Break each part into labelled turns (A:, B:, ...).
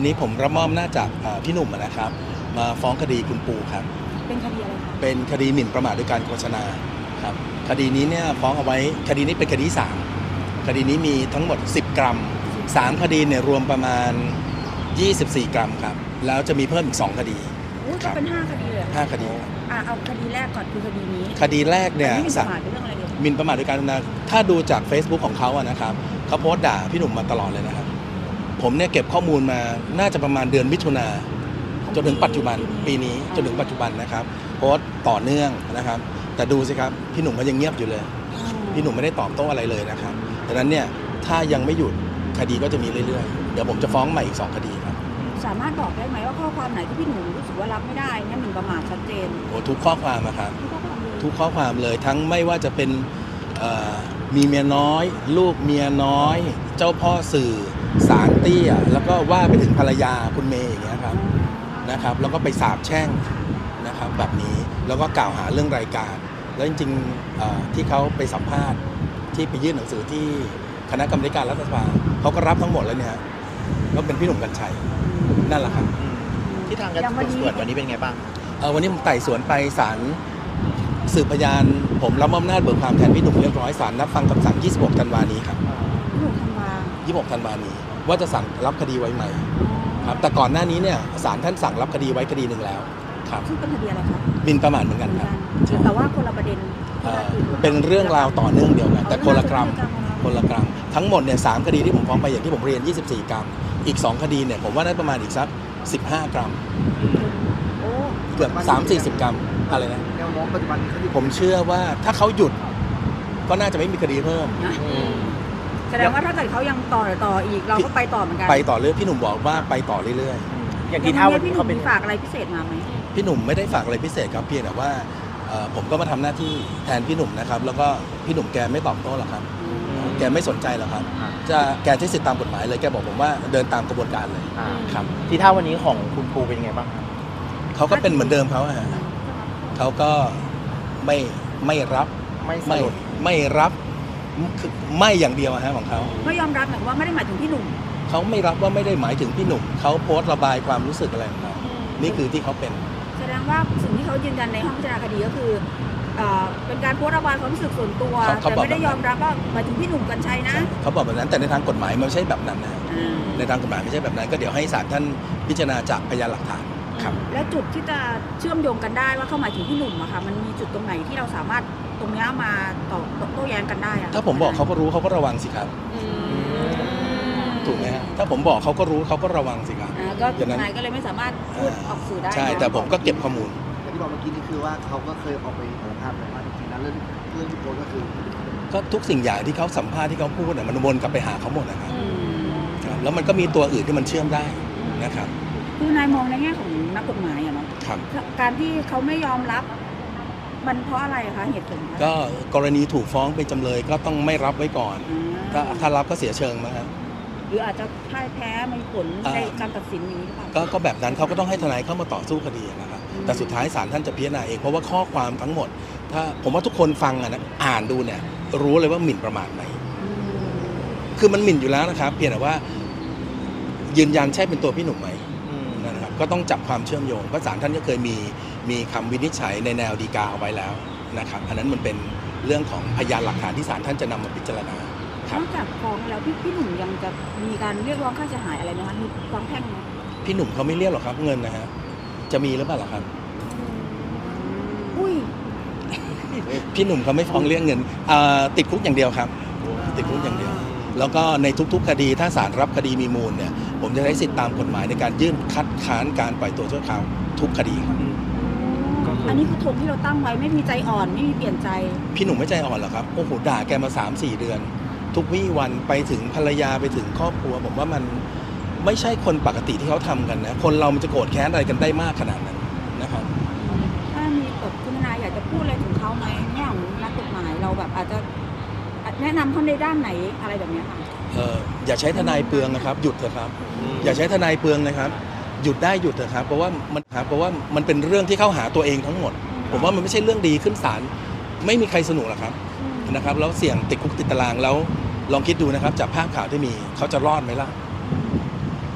A: นี้ผมรับมอบหน้าจากพี่หนุ่มนะครับมาฟ้องคดีคุณปูครับ
B: เป็นคดีอะไรคะ
A: เป็นคดีหมิ่นประมาทโดยการโฆษณาครับคดีนี้เนี่ยฟ้องเอาไว้คดีนี้เป็นคดีที่3คดีนี้มีทั้งหมด10 กรัม3 คดีเนี่ยรวมประมาณ24 กรัมครับแล้วจะมีเพิ่มอีก2 คดี
B: ก็เป็น5 คดีเลย
A: 5 คดี
B: เอาคดีแรกก่อนคือคดีนี้
A: คดีแรกเนี่ย
B: หมิ่นประมาทเป็นเรื่องอะไรเนี่ย
A: หมิ่นประมาทโดยการโฆษณาถ้าดูจาก Facebook ของเขาอะนะครับเขาโพสต์ด่าพี่หนุ่มมาตลอดเลยนะครับผมเนี่ยเก็บข้อมูลมาน่าจะประมาณเดือนมิถุนาจนถึงปัจจุบันปีนี้จนถึงปัจจุบันนะครับโพสต์ต่อเนื่องนะครับแต่ดูสิครับพี่หนุ่มก็ยังเงียบอยู่เลยพี่หนุ่มไม่ได้ตอบโต้อะไรเลยนะครับดังนั้นเนี่ยถ้ายังไม่หยุดคดีก็จะมีเรื่อยๆเดี๋ยวผมจะฟ้องใหม่อีก2 คดีครับ
B: สามารถบอกได้ไหมว่าข้อความไหนที่พี่หนุ่มรู้สึกว่ารับไม่ได้เนี่ยหมิ่นประมาทชัดเจน
A: โอ้ทุกข้อความนะครับทุกข้อความเลยทั้งไม่ว่าจะเป็นมีเมียน้อยลูกเมียน้อยเจ้าพ่อสื่อสารเตี้ยแล้วก็ว่าไปถึงภรรยาคุณเมย์อย่างเงี้ยครับนะครับแล้วก็ไปสาบแช่งนะครับแบบนี้แล้วก็กล่าวหาเรื่องรายการแล้วจริงๆที่เขาไปสัมภาษณ์ที่ไปยื่นหนังสือที่คณะกรรมการรัฐสภาเขาก็รับทั้งหมดแล้วเนี่ยก็เป็นพี่หนุ่มกรรชัยนั่นแหละครับ
C: ที่ทางการสืบสวนวันนี้เป็นไงบ้าง
A: วันนี้ผมไต่สวนไปศาลสืบพยานผมรับมอบอำนาจเบิกความแทนพี่หนุ่มเรียบร้อยศาลนัดฟังคำสั่ง26 ธันวานี้ครับ26 ธันวานี้ว่าจะสั่งรับคดีไว้ไหมครับแต่ก่อนหน้านี้เนี่ยศาลท่านสั่งรับคดีไว้คดีหนึ่งแล้วครับ
B: ซึ่งเป็นคดีอะไรครับ
A: หมิ่นประมาทเหมือนกันครับ
B: แต่ว่าคนละประเด็น
A: เป็นเรื่องราวต่อเนื่องเดียวกันแต่คนละกรัมทั้งหมดเนี่ย3 คดีที่ผมฟ้องไปอย่างที่ผมเรียน24 กรัมอีก2 คดีเนี่ยผมว่าได้ประมาณอีกสัก15 กรัมเกือบ30-40 กรัมอะไรนะ
C: แนวโน้มปัจจุบัน
A: ผมเชื่อว่าถ้าเขาหยุดก็น่าจะไม่มีคดีเพิ่ม
B: แสดงว่าถ้าเกิดเขายังต่ออีกเราก็ไปต่อเหมือนกัน
A: ไปต่อเรื่อยพี่หนุ่มบอกว่าไปต่อเรื่อย
B: ๆอย่างที่เท่าพี่หนุ่มฝากอะไรพิเศษมาไหม
A: พี่หนุ่มไม่ได้ฝากอะไรพิเศษครับเพียงแต่ว่าผมก็มาทำหน้าที่แทนพี่หนุ่มนะครับแล้วก็พี่หนุ่มแกไม่ตอบโต้หรอกครับแกไม่สนใจหรอกครับแกใช้สิทธิตามกฎหมายเลยแกบอกผมว่าเดินตามกระบวนการเลยครับ
C: ที่เท่าวันนี้ของคุณปูเป็นยังไงบ้าง
A: เขาก็เป็นเหมือนเดิมเขาก็ไม่รับไม่รับไม่อย่างเดียวของเขา
B: ไม่ยอมรับหมายว่าไม่ได้หมายถึงพี่หนุ่ม
A: เขาไม่รับว่าไม่ได้หมายถึงพี่หนุ่มเขาโพสต์ระบายความรู้สึกอะไรของเขานี่คือที่เขาเป็น
B: แสดงว่าสิ่งที่เขายืนยันในห้องพิจารณาคดีก็คือเป็นการโพสต์ระบายความรู้สึกส่วนตัวแต่ไม่ได้ยอมรับว่าหมายถึงพี่หนุ่มกรรชัยนะ
A: เขาบอกแบบนั้นแต่ในทางกฎหมายมันไม่ใช่แบบนั้นนะในทางกฎหมายไม่ใช่แบบนั้นก็เดี๋ยวให้ศาลท่านพิจารณาจากพยานหลักฐานครับ
B: และจุดที่จะเชื่อมโยงกันได้ว่าเขาหมายถึงพี่หนุ่มอะค่ะมันมีจุดตรงไหนที่เราสามารถตรงนี้มาโต้แย้งกันได้อะ
A: ถ้าผมบอกเขาก็รู้เขาก็ระวังสิครับถูกไหมฮะถ้าผมบอกเขาก็รู้เขาก็ระวังสิครับ
B: ก็ทนายก็เลยไม่สามารถพูดออกสื่อได้
A: ใช่แต่ผมก็เก็บข้อมูล
C: ที่บอกเมื่อกี้นี่คือว่าเขาก็เคยออกไปสารภาพแต่ว่าจริงๆแล้วเรื่องที่โพสก็คือ
A: ก็ทุกสิ่งอย่างที่เขาสัมภาษณ์ที่เขาพูดมันวนกลับไปหาเขาหมดนะครับแล้วมันก็มีตัวอื่นที่มันเชื่อมได้นะครับ
B: คือนายมองในแง่ของนักกฎหมายอะเนาะการที่เขาไม่ยอมรับมันเพราะอะไรคะเหตุผล
A: ก็กรณีถูกฟ้องเป็นจำเลยก็ต้องไม่รับไว้ก่อนถ้ารับก็เสียเชิงมั้งครับ
B: หรืออาจจะพ่ายแพ้มีผลในการตัดสินนี้หรือเปล่า
A: ก็แบบนั้นเขาก็ต้องให้ทนายเข้ามาต่อสู้คดีนะครับแต่สุดท้ายศาลท่านจะพิจารณาเองเพราะว่าข้อความทั้งหมดถ้าผมว่าทุกคนฟังอ่านดูเนี่ยรู้เลยว่าหมิ่นประมาทไหมคือมันหมิ่นอยู่แล้วนะครับเพียงแต่ว่ายืนยันใช่เป็นตัวพี่หนุ่มไหมนะครับก็ต้องจับความเชื่อมโยงเพราะศาลท่านก็เคยมีคำวินิจฉัยในแนวฎีกาเอาไว้แล้วนะครับอันนั้นมันเป็นเรื่องของพยานหลักฐานที่ศาลท่านจะนำมาพิจารณาน
B: อกจากฟ้องแล้วพี่หนุ่มยังจะมีการเรียกร้องค่าเสียหายอะไรไหมคะมีฟ้องแพ่งไหม
A: พี่หนุ่มเขาไม่เรียกหรอกครับเงินนะฮะจะมีหรือเปล่าล่ะครับพี่หนุ่มเขาไม่ฟ้องเรื่องเงินติดคุกอย่างเดียวครับติดคุกอย่างเดียวแล้วก็ในทุกๆคดีถ้าศาลรับคดีมีมูลเนี่ยผมจะใช้สิทธิตามกฎหมายในการยื่นคัดค้านการปล่อยตัวชั่วคราวทุกคดีครับ
B: อันนี้คือธงที่เราตั้งไว้ไม่มีใจอ่อนไม่มีเปลี่ยนใจ
A: พี่หนุ่มไม่ใจอ่อนหรอกครับโอ้โหด่าแกมา 3-4 เดือนทุกวี่วันไปถึงภรรยาไปถึงครอบครัวผมว่ามันไม่ใช่คนปกติที่เขาทำกันนะคนเรามันจะโกรธแค้นอะไรกันได้มากขนาดนั้นนะครับ
B: ถ้ามีแบบคุณทนายอยากจะพูดอะไรถึงเขาไหมแง่ของนักกฎหมายเราแบบอาจจะแนะนำเขาในด้านไหนอะไรแบบนี้ค่ะ
A: อย่าใช้ทนายเปลืองนะครับหยุดเถอะครับอย่าใช้ทนายเปลืองนะครับหยุดได้หยุดเถอะครับเพราะว่ามันเป็นเรื่องที่เข้าหาตัวเองทั้งหมดผมว่ามันไม่ใช่เรื่องดีขึ้นศาลไม่มีใครสนุกหรอกครับนะครับแล้วเสี่ยงติดคุกติดตารางแล้วลองคิดดูนะครับจากภาพข่าวที่มีเขาจะรอดไหมล่ะ
B: เขา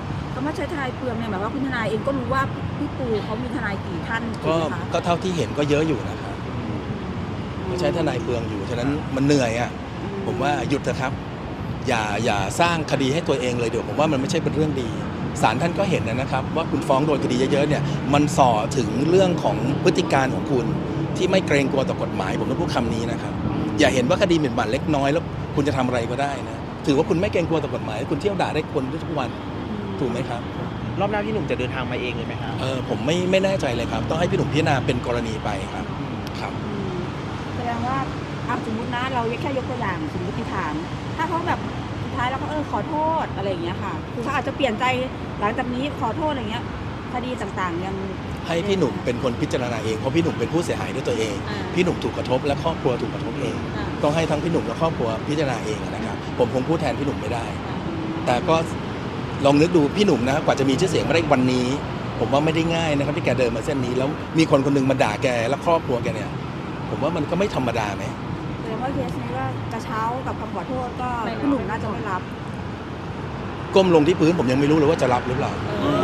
B: ว่าใช้ทนายเปลืองเนี่ยหมายว่าคุณทนายเองก็รู้ว่าพี่ปูเขามีทนายกี่ท่านถู
A: ก็
B: กไหมคะ
A: ก็เท่าที่เห็นก็เยอะอยู่นะครับก็ใช้ทนายเปลืองอยู่ฉะนั้นมันเหนื่อยอ่ะผมว่าหยุดเถอะครับอย่าสร้างคดีให้ตัวเองเลยเดี๋ยวผมว่ามันไม่ใช่เป็นเรื่องดีศาลท่านก็เห็นนะครับว่าคุณฟ้องโดนคดีเยอะๆเนี่ยมันส่อถึงเรื่องของพฤติการของคุณที่ไม่เกรงกลัวต่อกฎหมายผมต้องพูดคำนี้นะครับอย่าเห็นว่าคดีหมิ่นประมาทเล็กน้อยแล้วคุณจะทำอะไรก็ได้นะถือว่าคุณไม่เกรงกลัวต่อกฎหมายคุณเที่ยวด่าได้คนทุกวันถูกไหมครับ
D: รอบหน้าพี่หนุ่มจะเดินทางมาเองเลยไหมครับ
A: ผมไม่แน่ใจเลยครับต้องให้พี่หนุ่มพิจารณาเป็นกรณีไปครับครับ
B: แสดงว่าสมมตินะเราแค่ยกตัวอย่างสมมติฐาน ถ้าเขาแบบสุดท้ายแล้วก็ขอโทษอะไรอย่างเงี้ยค่ะคือเขาอาจจะเปลี่ยนใจหลังจากนี้ขอโทษอะไรเงี้ยคดีต่างๆยัง
A: ให้พี่หนุ่มเป็นคนพิจารณาเองเพราะพี่หนุ่มเป็นผู้เสียหายด้วยตัวเอง พี่หนุ่มถูกกระทบและครอบครัวถูกกระทบเอง ต้องให้ทั้งพี่หนุ่มและครอบครัวพิจารณาเองนะครับผมคงพูดแทนพี่หนุ่มไม่ได้ แต่ก็ลองนึกดูพี่หนุ่มนะกว่าจะมีชื่อเสียงมาได้วันนี้ ผมว่าไม่ได้ง่ายนะครับที่แกเดินมาเส้นนี้แล้วมีคนคนหนึงมาด่าแกและครอบครัวแกเนี่ยผมว่ามันก็ไม่ธรรมดาไหม
B: แสดงว่าเคสนี้ก็กระเช้ากับคำขอโทษก็พี่หนุ่มน่าจะไม่รับ
A: ก้มลงที่พื้นผมยังไม่รู้เลยว่าจะรับหรือเปล่า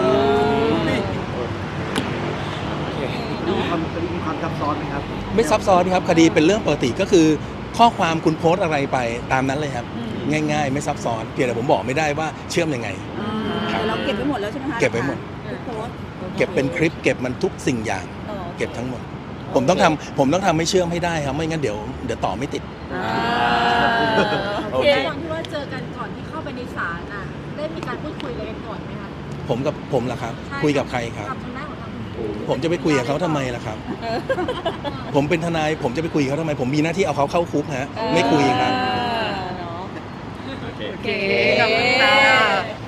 C: มีความซับซ้อนไหมครับ
A: ไม่ซับซ้อนครับคดีเป็นเรื่องปกติก็คือข้อความคุณโพสต์อะไรไปตามนั้นเลยครับง่ายๆ ไม่ซับซ้อนเพียงแต่ผมบอกไม่ได้ว่าเชื่อมยังไง
B: แต่เราเก็บไว้หมดแล้วใช่ไหมคะ
A: เก็บไว้หมด
B: ทุกโพสต์
A: เก็บเป็นคลิปเก็บมันทุกสิ่งอย่างเก็บทั้งหมดผมต้องทำให้เชื่อมให้ได้ครับไม่งั้นเดี๋ยวต่อไม่ติด
E: โอเคตอนที่ว่าเจอกันก่อนที่เข้าไปในศาลน่ะได้มีการพูดคุยอะไรกันก่อนไหมคะ
A: ผมล่ะครับคุยกับใครครับ
E: กับทางด้านของทางคุณปู
A: ผมจะไปคุยกับเขาทำไมล่ะครับ ผมเป็นทนายผมจะไปคุยกับเขาทำไมผมมีหน้าที่เอาเขาเข้าคุกฮะไม่คุยครับ
D: โอเคขอบคุณค่ะ